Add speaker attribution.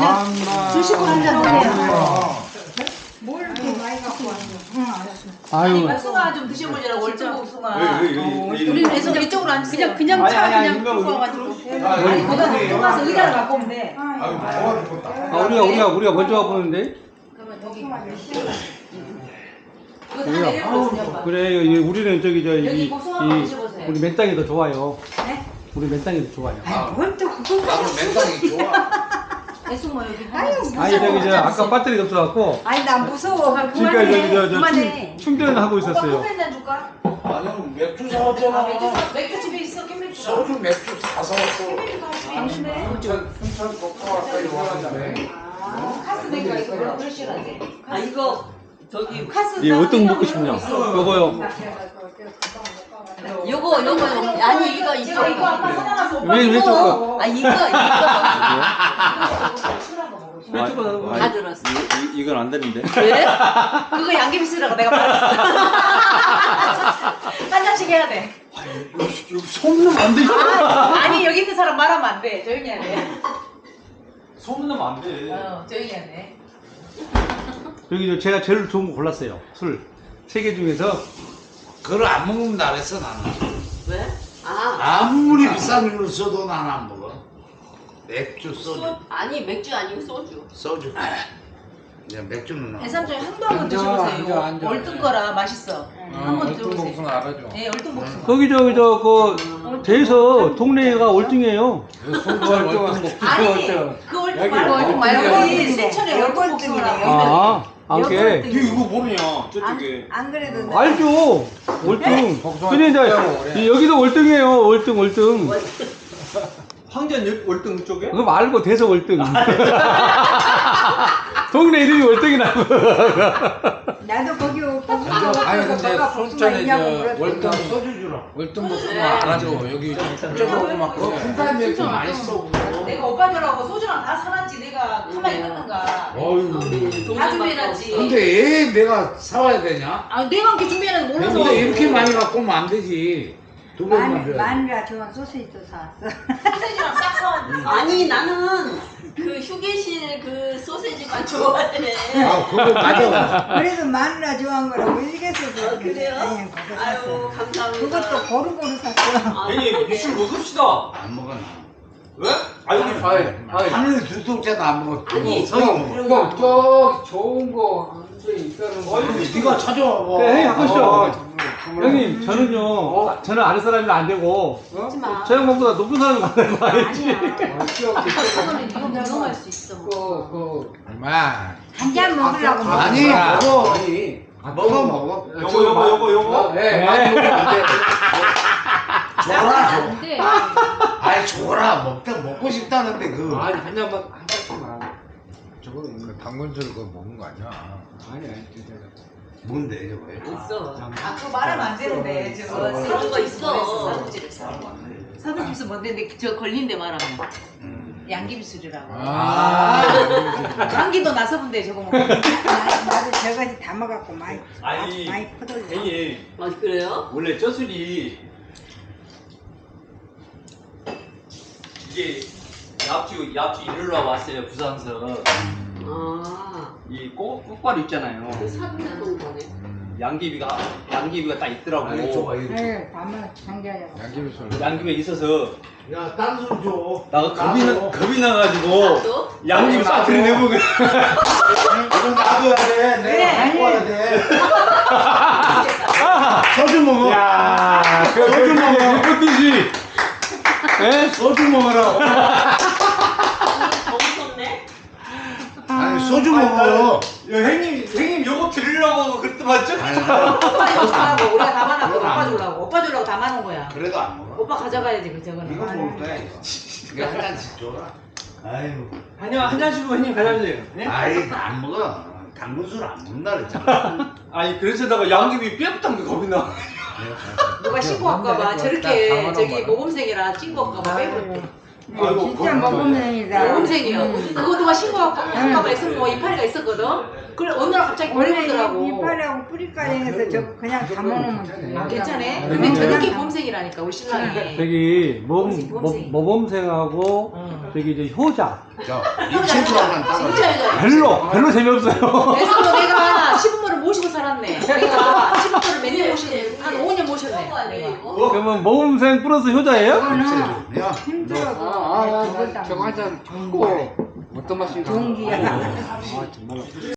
Speaker 1: 드시고 한잔 하세요.
Speaker 2: 뭘 이렇게 많이 갖고 왔어? 응, 알았어.
Speaker 1: 아유.
Speaker 3: 복숭아 좀 드셔보자라고 월등복숭아.
Speaker 1: 우리
Speaker 3: 그래서 이쪽으로 앉으세요.
Speaker 1: 그냥 차 그냥
Speaker 4: 아니,
Speaker 1: 끌고 와가지고.
Speaker 3: 아니 거기다 놓고 가서 의자를 갖고 오면 돼.
Speaker 4: 아유, 좋아 죽겠다.
Speaker 1: 우리가 먼저 와보는데.
Speaker 3: 그러면 여기
Speaker 2: 복숭아 몇 시간?
Speaker 3: 이거 다 내려놓고
Speaker 1: 그래 우리는 저기
Speaker 3: 여기 복숭아 한번 드셔보세요.
Speaker 1: 우리 맨땅이 더 좋아요.
Speaker 3: 네?
Speaker 1: 우리 맨땅이 더 좋아요.
Speaker 2: 뭘또 그걸
Speaker 4: 나는 맨땅이 좋아.
Speaker 3: 애숙모 여기
Speaker 2: 아유,
Speaker 1: 아니 저기 아까 배터리가 없어갖고
Speaker 2: 아니 나 무서워.
Speaker 1: 지금까지
Speaker 2: 그만해.
Speaker 1: 충전하고
Speaker 3: 오빠
Speaker 1: 있었어요.
Speaker 3: 커피 한잔 줄까?
Speaker 4: 아니, 맥주
Speaker 3: 아
Speaker 4: 사왔잖아.
Speaker 3: 맥주 집에 있어 캔맥주.
Speaker 4: 소주 맥주 다 사왔어.
Speaker 3: 당신네.
Speaker 4: 순천 복숭아 가까이 와가지고.
Speaker 3: 카스 맥주가 있어. 별로 그럴 싫어하지.
Speaker 5: 아 이거 저기
Speaker 3: 카스.
Speaker 1: 예, 어떤 거 먹고 싶냐? 요거요.
Speaker 5: 요거 아니 이거
Speaker 3: 제가 이거 아까 사놔서 오빠
Speaker 1: 왜
Speaker 3: 이거.
Speaker 1: 저거?
Speaker 5: 아 이거
Speaker 1: 왜 저거?
Speaker 5: 다 들었어.
Speaker 1: 이건 안 되는데.
Speaker 5: 왜?
Speaker 3: 그거 양귀비 쓰라고 내가 말했어. 한 잔씩 해야 돼.
Speaker 1: 소문나면 안 돼.
Speaker 3: 아니 여기 있는 사람 말하면 안 돼. 조용히 해야 돼.
Speaker 1: 소문나면 안 돼.
Speaker 3: 조용히 해야 돼.
Speaker 1: 여기 제가 제일 좋은 거 골랐어요. 술. 세 개 중에서
Speaker 4: 그걸 안 먹으면 나랬어 나는.
Speaker 5: 왜? 아
Speaker 4: 아무리 비싼 걸 써도 난 안 먹어. 맥주 소주.
Speaker 5: 아니 맥주 아니고 소주.
Speaker 4: 소주. 그냥 맥주는 나.
Speaker 3: 해삼초에 한도 한번 드셔보세요. 월등 거라 맛있어. 한번 드셔보세요.
Speaker 4: 알아줘.
Speaker 3: 네, 월등 복숭아.
Speaker 1: 거기 대에서 동네가 월등이에요.
Speaker 3: 아니, 그 월등 말고 여기 순천에 월등 복숭아라고.
Speaker 1: 아, 안게.
Speaker 4: 이거 뭐냐 저쪽에.
Speaker 2: 안 그래도 내가
Speaker 1: 알죠. 월등. 근데 이제 여기도 월등이에요. 월등.
Speaker 6: 황전 월등 쪽에?
Speaker 1: 그거 말고 대서 월등. 동네 이름이 월등이라고.
Speaker 2: 나도 거기 오고
Speaker 4: 아니 근데 순천에 저 월등
Speaker 2: 월등
Speaker 4: 소주 주라. 월등 복숭아
Speaker 5: 네.
Speaker 4: 알아줘. 여기 좀 막 그거 군산 맥주 많이 써.
Speaker 3: 내가 오빠 저라고 소주랑 다 사놨지. 내가 가만히 있는가.
Speaker 4: 어휴.
Speaker 3: 다 준비해놨지.
Speaker 4: 근데 왜 내가 사와야 되냐?
Speaker 3: 아, 내가 이렇게 준비해놨는지 몰라서.
Speaker 4: 근데 이렇게 많이 갖고 오면 안 되지. 두 번만 줘야 돼.
Speaker 2: 마누라 좋아하는 소시지도 사왔어.
Speaker 3: 소세지랑 싹 사왔는데.
Speaker 5: 아니 나는 그 휴게실 그 소세지만 좋아해.
Speaker 4: 아, 그거 맞아.
Speaker 2: 그래도 마누라 좋아하는 거라고 일개서도
Speaker 5: 아, 그래요? 아유 감사합니다.
Speaker 2: 그것도 고루고루 샀어.
Speaker 5: 아,
Speaker 6: 괜히 미술 먹읍시다.
Speaker 4: 안 먹어 나.
Speaker 6: 왜? 아 여기
Speaker 4: 하늘 두 통째도 안 먹어.
Speaker 5: 아니,
Speaker 4: 성이 먹어.
Speaker 7: 저 좋은 거 한개 있다는 거.
Speaker 4: 네가 찾아와.
Speaker 1: 네, 형님 바꾸시죠. 형님, 저는 아는 사람이 안 되고,
Speaker 5: 하지 마.
Speaker 1: 저 형보다 높은 사람이 가는 거 알지?
Speaker 3: 그거는 이거 넘어갈 수 있어.
Speaker 4: 얼마?
Speaker 2: 한 잔 먹으려고
Speaker 4: 아니
Speaker 2: 먹어.
Speaker 4: 먹어. 먹어.
Speaker 6: 요거.
Speaker 4: 예, 많이 먹으면 안 돼. 줘라 줘.
Speaker 3: 근데
Speaker 4: 아이 줘라 먹고 싶다는데 그.
Speaker 7: 아니 한 잔씩만.
Speaker 8: 저거 당근술 그거 먹는 거 아니야?
Speaker 7: 아니 진짜.
Speaker 4: 뭔데 저거?
Speaker 5: 있어.
Speaker 3: 아, 그거 말하면 안 되는데. 저거
Speaker 5: 그런 거 있어.
Speaker 3: 사부집에서 뭔데 저 걸린데 말하면. 양귀비술이라고.
Speaker 4: 아.
Speaker 3: 감기도 나서 본데 저거 먹고.
Speaker 2: 나도 저거지 담아갖고 많이
Speaker 6: 아니,
Speaker 2: 퍼돌려.
Speaker 6: 괜히
Speaker 5: 아 그래요?
Speaker 6: 원래 저 술이 이게 yap주 이르러 왔어요 부산서.
Speaker 5: 아.
Speaker 6: 이 꽃바로 있잖아요.
Speaker 5: 그 사는 거네.
Speaker 6: 양귀비가 딱 있더라고.
Speaker 4: 아니 줘봐 이거.
Speaker 2: 네, 담아 장자야.
Speaker 8: 양귀비술.
Speaker 6: 양귀비가 있어서
Speaker 4: 야, 딴 술 줘.
Speaker 6: 나가 겁이 나가지고
Speaker 5: 또?
Speaker 6: 양귀비 싸트리 내보고.
Speaker 4: 이거 놔둬야 돼. 내가 갖고 와야 돼. 소주 먹어.
Speaker 1: 야,
Speaker 4: 소주 먹어.
Speaker 1: 그 뜻이. 예?
Speaker 4: 소주 먹어라.
Speaker 5: 너무 좋네.
Speaker 4: 아니 소주 먹어.
Speaker 6: 형님 요거 드리려고 그때 맞죠?
Speaker 3: 오빠 이거 주려고 우리가 담아놨고 오빠 주려고. 오빠 주려고 담아놓은 거야.
Speaker 4: 그래도 안 먹어.
Speaker 3: 오빠 가져가야지 그 저거는.
Speaker 4: 이거 먹을 거야 이거. 이거 한 잔씩 줘라. 아유.
Speaker 6: 한 잔씩만 형님 가져주세요. 예?
Speaker 4: 아이 안 먹어. 당근술 안 먹는다 그랬잖아.
Speaker 6: 아니 그래서 내가 양귀비 뼈부터 겁이 나.
Speaker 3: 누가 신고 할까봐 저렇게 저기 모범생이라 신고 할까봐 빼고.
Speaker 6: 아이고,
Speaker 2: 진짜 모범생이다.
Speaker 3: 모범생이요. 그거 누가 신고하고 할까봐 있었고 뭐 이파리가 있었거든. 그래 어느 날 갑자기
Speaker 2: 원래
Speaker 3: 모르더라고.
Speaker 2: 이빨하고 뿌리까지 해서 저거 그냥 다 먹으면 돼.
Speaker 3: 아, 괜찮아?
Speaker 1: 네.
Speaker 3: 근데 저렇게 모범생이라니까 우리 신랑이.
Speaker 1: 저기
Speaker 3: 모범생.
Speaker 1: 모범생하고 저기 이제 효자
Speaker 4: 저 입체처럼 따라.
Speaker 3: 진짜 이거.
Speaker 1: 별로 재미없어요.
Speaker 3: 그래서 내가 시부모를 모시고 살았네. 내가 시부모를 몇 년 모셨네. 한 5년 모셨네. 내가.
Speaker 1: 그러면 모범생 플러스 효자예요?
Speaker 2: 그거는
Speaker 4: 야,
Speaker 2: 힘들어도 저걸 다
Speaker 7: 저거 한잔 좋고 어떤 맛인가?
Speaker 2: 좋은 기야.
Speaker 7: 아 정말로.